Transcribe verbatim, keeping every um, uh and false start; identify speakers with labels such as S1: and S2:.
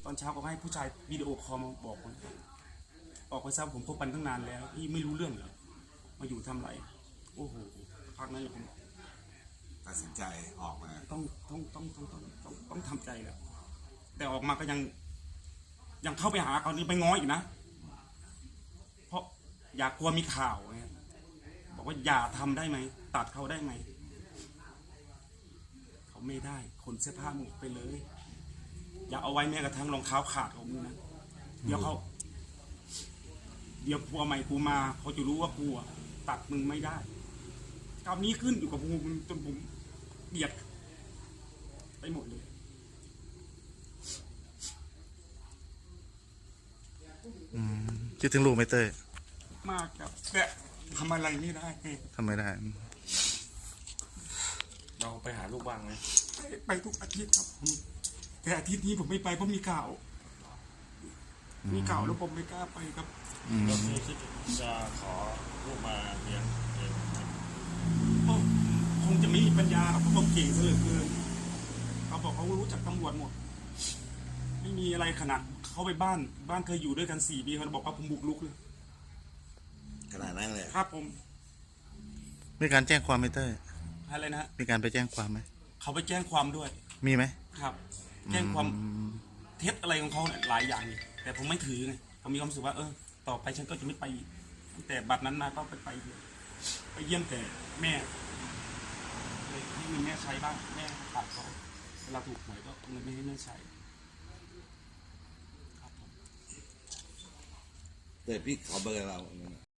S1: ตอนเช้าก็ให้ผู้ชายวิดีโอคอลมาบอกผมออกไปทราบผมพบกันตั้งนานแล้วพี่ไม่รู้เรื่องเหรอมาอยู่ทำไรโอ้โหพักนั้นผม
S2: ตัดสินใจออกมา
S1: ต้องต้องต้องต้องต้องต้องต้องทำใจแล้วแต่ออกมาก็ยังยังเข้าไปหาเขานี่ไปง้ออีกนะเพราะอยากกลัวมีข่าวไงบอกว่าอย่าทำได้ไหมตัดเขาได้ไหมเขาไม่ได้ขนเสื้อผ้าหมดไปเลยอย่าเอาไว้แม้กระทั่งรองเท้าขาดของมึงนะเดี๋ยวเขาเดี๋ยวผัวใหม่กูมาเขาจะรู้ว่ากูตัดมึงไม่ได้คราวนี้ขึ้นอยู่กับกูจนผมเบียดไปหมดเลย
S3: คิดถึงลูกไหมเต้ย
S1: มากครับแต่ทำอะไรไม่ได้
S3: ทำไม่ได้
S4: เราไปหาลูกบ้างไหม
S1: ไปทุกอาทิตย์ครับแต่อาทิตย์นี้ผมไม่ไปเพราะมีข่าวมีข่าวแล้วผมไม่กล้าไปครับ
S4: แล้วพี่คิดจะขอลูกมาเลี้ยงเองไหม
S1: คงจะไม่มีปัญญาเพราะเขาเก่งซะเหลือเกินเขาบอกเขารู้จักตำรวจหมดไม่มีอะไรขนาดเขาไปบ้านบ้านเคยอยู่ด้วยกันสี่ปีเขาบอกว่าผมบุกรุกเลย
S2: ขนาดนั้นเลย
S1: ครับผม
S3: มีการแจ้งความไหมเต้ย
S1: อะไรนะ
S3: มีการไปแจ้งความไหม
S1: เขาไปแจ้งความด้วย
S3: มีไหม
S1: ครับแจ้งความเท็จอะไรของเขาเนี่ยหลายอย่างแต่ผมไม่ถือไงผมมีความรู้สึกว่าเออต่อไปฉันก็จะไม่ไปแต่บัดนั้นมาก็ไปไปไปเยี่ยมแต่แม่ให้เงินแม่ใช้บ้างแม่ขาดเขาเวลาถูกหวยก็เงินไม่ให้แม่ใช้
S2: แต่พี่ขอเบอร์เรา